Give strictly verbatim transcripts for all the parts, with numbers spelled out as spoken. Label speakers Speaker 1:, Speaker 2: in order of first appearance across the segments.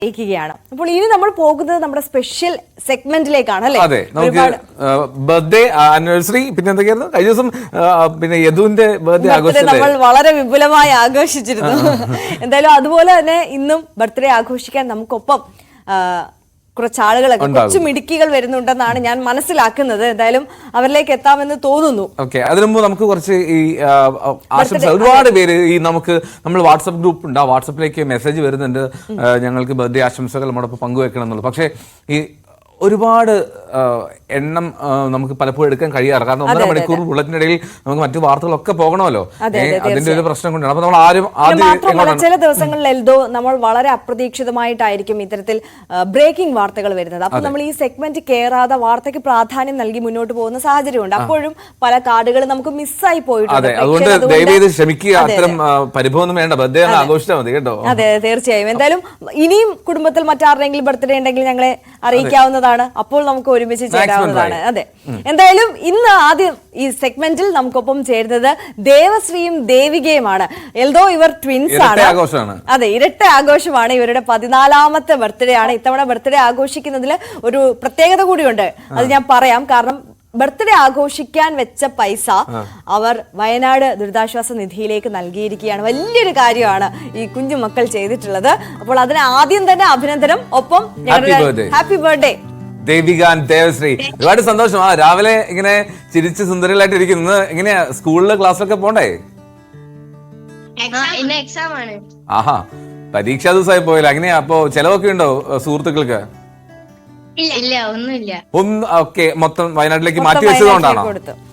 Speaker 1: ാണ് അപ്പോൾ ഇനി നമ്മൾ പോകുന്നത് നമ്മുടെ സ്പെഷ്യൽ സെഗ്മെന്റിലേക്കാണ് അല്ലേ?
Speaker 2: അതെ, നമുക്ക് ബർത്ത്ഡേ ആനിവേഴ്സറി പിന്നെ എന്തൊക്കെയായിരുന്നു കഴിഞ്ഞ ദിവസം പിന്നെ യദുവിന്റെ ബർത്ത്ഡേ ആഘോഷിച്ചു.
Speaker 1: നമ്മൾ വളരെ വിപുലമായി ആഘോഷിച്ചിരുന്നു. എന്തായാലും അതുപോലെ തന്നെ ഇന്നും ബർത്ത്ഡേ ആഘോഷിക്കാൻ നമുക്കൊപ്പം കുറച്ച് ആളുകളൊക്കെ കുറച്ച് മിടുക്കികൾ വരുന്നുണ്ടെന്നാണ് ഞാൻ മനസ്സിലാക്കുന്നത്. എന്തായാലും അവരിലേക്ക് എത്താമെന്ന് തോന്നുന്നു.
Speaker 2: ഓക്കെ, അതിനു മുമ്പ് നമുക്ക് കുറച്ച് ഈ ആശംസ ഒരുപാട് പേര് ഈ നമുക്ക് നമ്മൾ വാട്സപ്പ് ഗ്രൂപ്പ് ഉണ്ട്, ആ വാട്സപ്പിലേക്ക് മെസ്സേജ് വരുന്നുണ്ട്, ഞങ്ങൾക്ക് ബർത്ത്ഡേ ആശംസകൾ നമ്മോടൊപ്പം പങ്കുവെക്കണം എന്നുള്ളത്. പക്ഷേ ഈ ഒരുപാട് എണ്ണം നമുക്ക് പലപ്പോഴും എടുക്കാൻ കഴിയാറ്, കാരണം ഒന്നര മണിക്കൂർ ബുള്ളറ്റിനിടയിൽ നമുക്ക് മറ്റു വാർത്തകളൊക്കെ പോകണമല്ലോ. അതിന്റെ ഒരു പ്രശ്നം കൊണ്ടാണ്. അപ്പൊ നമ്മൾ ആരും ആദ്യം
Speaker 1: ചില ദിവസങ്ങളിൽ എൽദോ നമ്മൾ വളരെ അപ്രതീക്ഷിതമായിട്ടായിരിക്കും ഇത്തരത്തിൽ ബ്രേക്കിംഗ് വാർത്തകൾ വരുന്നത്. അപ്പൊ നമ്മൾ ഈ സെഗ്മെന്റ് കേറാതെ വാർത്തയ്ക്ക് പ്രാധാന്യം നൽകി മുന്നോട്ട് പോകുന്ന സാഹചര്യമുണ്ട്. അപ്പോഴും പല കാർഡുകൾ നമുക്ക് മിസ്സായി പോയിട്ടുണ്ട്.
Speaker 2: അതുകൊണ്ട് ദയവേത് ക്ഷമിക്കുക, അത്തരം പരിഭവം വേണ്ട, ബർത്ത്ഡേ ആഘോഷിച്ചാൽ മതി കേട്ടോ.
Speaker 1: അതെ, തീർച്ചയായും. എന്തായാലും ഇനിയും കുടുംബത്തിൽ മറ്റാരുടെങ്കിലും ബർത്ത്ഡേ ഉണ്ടെങ്കിൽ ഞങ്ങളെ അറിയിക്കാവുന്നതാണ്. അപ്പോൾ നമുക്ക് ഒരുമിച്ച് ചേരാവുന്നതാണ്. അതെ, എന്തായാലും ഇന്ന് ആദ്യം ഈ സെഗ്മെന്റിൽ നമുക്കൊപ്പം ചേരുന്നത് ദേവശ്രീയും ദേവികയുമാണ്. എൽദോ ഇവർ ട്വിൻസ് ആണ്. അതെ, ഇരട്ട ആഘോഷമാണ്. ഇവരുടെ പതിനാലാമത്തെ ബർത്ത്ഡേ ആണ്. ഇത്തവണ ബർത്ത്ഡേ ആഘോഷിക്കുന്നതിൽ ഒരു പ്രത്യേകത കൂടിയുണ്ട്, അത് ഞാൻ പറയാം. കാരണം ബർത്ത്ഡേ ആഘോഷിക്കാൻ വെച്ച പൈസ അവർ വയനാട് ദുരിതാശ്വാസ നിധിയിലേക്ക് നൽകിയിരിക്കുകയാണ്. വലിയൊരു കാര്യമാണ് ഈ കുഞ്ഞു മക്കൾ ചെയ്തിട്ടുള്ളത്. അപ്പോൾ അതിന് ആദ്യം തന്നെ അഭിനന്ദനം, ഒപ്പം happy birthday
Speaker 2: Devika and Devashree. ഒരുപാട് സന്തോഷം. ആ രാവിലെ ഇങ്ങനെ ചിരിച്ച് സുന്ദരികളായിട്ട് ഇരിക്കുന്നു. എങ്ങനെയാ സ്കൂളില് ക്ലാസ്സിലൊക്കെ പോണ്ടേ? ആഹാ, പരീക്ഷാ ദിവസമായി പോയില്ല. എങ്ങനെയാ അപ്പൊ ചെലവൊക്കെ ഉണ്ടോ സുഹൃത്തുക്കൾക്ക്? ഒന്ന് ഓക്കെ, മൊത്തം വയനാട്ടിലേക്ക് മാറ്റി വെച്ചതുകൊണ്ടാണോ?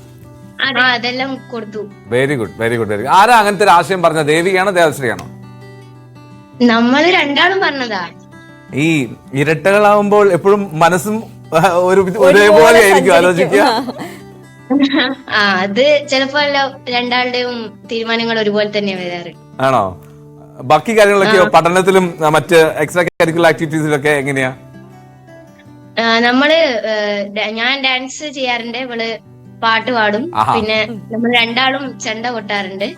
Speaker 2: Very good, very good, very good. ആരാ അങ്ങനത്തെ ഒരു ആശയം പറഞ്ഞ, ദേവികയാണോ ദേവശ്രീയാണോ?
Speaker 3: നമ്മള് രണ്ടാളും പറഞ്ഞതാ.
Speaker 2: ഈ ഇരട്ടകളാവുമ്പോൾ എപ്പോഴും മനസ്സും ഒരു ഒരേപോലെ ആയിരിക്കും ആലോചിക്കുക.
Speaker 3: ആ, അത് ചിലപ്പോ രണ്ടാളുടെയും തീരുമാനങ്ങൾ ഒരുപോലെ തന്നെ വരാറ്.
Speaker 2: ആണോ? ബാക്കി കാര്യങ്ങളൊക്കെയോ? പഠനത്തിലും മറ്റ് എക്സ്ട്രാ കരിക്കുലർ ആക്ടിവിറ്റീസിലൊക്കെ എങ്ങനെയാ?
Speaker 3: നമ്മള് ഞാൻ ഡാൻസ് ചെയ്യാറുണ്ട്, ഇവള് പാട്ട് പാടും. പിന്നെ നമ്മൾ രണ്ടാളും ചെണ്ട കൊട്ടാറുണ്ട്.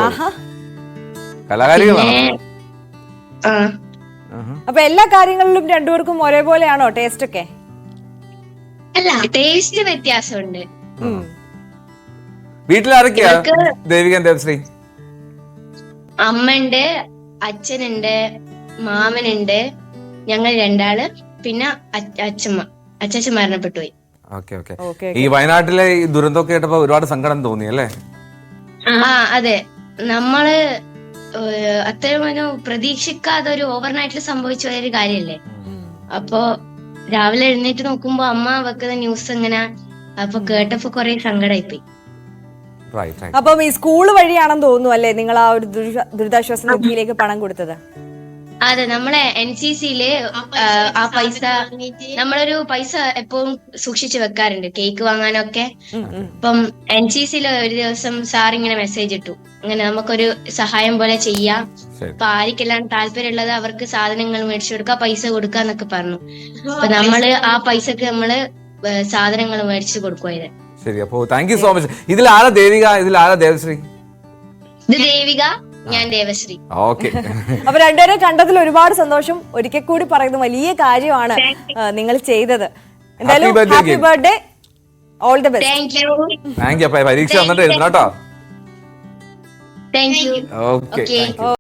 Speaker 1: അപ്പൊ എല്ലാ കാര്യങ്ങളിലും രണ്ടുപേർക്കും ഒരേപോലെയാണോ ടേസ്റ്റ് ഒക്കെ?
Speaker 3: അല്ല, ടേസ്റ്റ് വ്യത്യാസമുണ്ട്.
Speaker 2: വീട്ടിലാരൊക്കെയാ ദേവിക ദേവശ്രീ?
Speaker 3: അമ്മയുണ്ട്, അച്ഛനുണ്ട്, മാമനുണ്ട്, ഞങ്ങൾ രണ്ടാള്, പിന്നെ അച്ഛമ്മ. അച്ഛൻ മരണപ്പെട്ടു പോയി.
Speaker 2: ഈ വയനാട്ടിലെ ഈ ദുരന്തമൊക്കെ കേട്ടപ്പോ ഒരുപാട് സങ്കടം തോന്നി അല്ലേ?
Speaker 3: ആ, അതെ. നമ്മള് അത്രയും പ്രതീക്ഷിക്കാതെ ഒരു ഓവർനൈറ്റിൽ സംഭവിച്ച ഒരു കാര്യല്ലേ. അപ്പൊ രാവിലെ എഴുന്നേറ്റ് നോക്കുമ്പോ അമ്മ വെക്കുന്ന ന്യൂസ് എങ്ങനെ, അപ്പൊ കേട്ടപ്പോ കൊറേ സങ്കടമായിപ്പോയി.
Speaker 1: അപ്പം ഈ സ്കൂള് വഴിയാണെന്ന് തോന്നുന്നു അല്ലേ നിങ്ങൾ ആ ഒരു ദുരിതാശ്വാസ നിധിയിലേക്ക് പണം കൊടുത്തത്?
Speaker 3: അതെ, നമ്മളെ എൻ സി സിയില് ആ പൈസ, നമ്മളൊരു പൈസ എപ്പോഴും സൂക്ഷിച്ചു വെക്കാറുണ്ട് കേക്ക് വാങ്ങാനൊക്കെ. അപ്പം എൻ സി സിയില് ഒരു ദിവസം സാർ ഇങ്ങനെ മെസ്സേജ് ഇട്ടു, അങ്ങനെ നമുക്കൊരു സഹായം പോലെ ചെയ്യാം, അപ്പൊ ആർക്കെല്ലാം താല്പര്യമുള്ളത് അവർക്ക് സാധനങ്ങൾ മേടിച്ചു കൊടുക്കുക, പൈസ കൊടുക്കുക എന്നൊക്കെ പറഞ്ഞു. അപ്പൊ നമ്മള് ആ പൈസക്ക് നമ്മള് സാധനങ്ങൾ മേടിച്ചു കൊടുക്കുവായത്.
Speaker 2: ശരി, അപ്പോ താങ്ക് യു സോ മച്ച്. ഇതിൽ ആരാ ദേവിക, ഇതിൽ ആരാ ദേവശ്രീ?
Speaker 3: ഇത് ദേവിക, ഞാൻ ദേവശ്രീ.
Speaker 2: ഓക്കെ,
Speaker 1: അപ്പൊ രണ്ടുപേരെ കണ്ടതിൽ ഒരുപാട് സന്തോഷം. ഒരിക്കൽ കൂടി പറയുന്നത് വലിയ കാര്യമാണ് നിങ്ങൾ ചെയ്തത്. എന്തായാലും happy birthday, all the best.
Speaker 3: Thank you.
Speaker 2: Thank you. പരീക്ഷ വന്നിട്ട് എഴുതണം കേട്ടോ.
Speaker 3: Thank you.
Speaker 2: ഓക്കെ.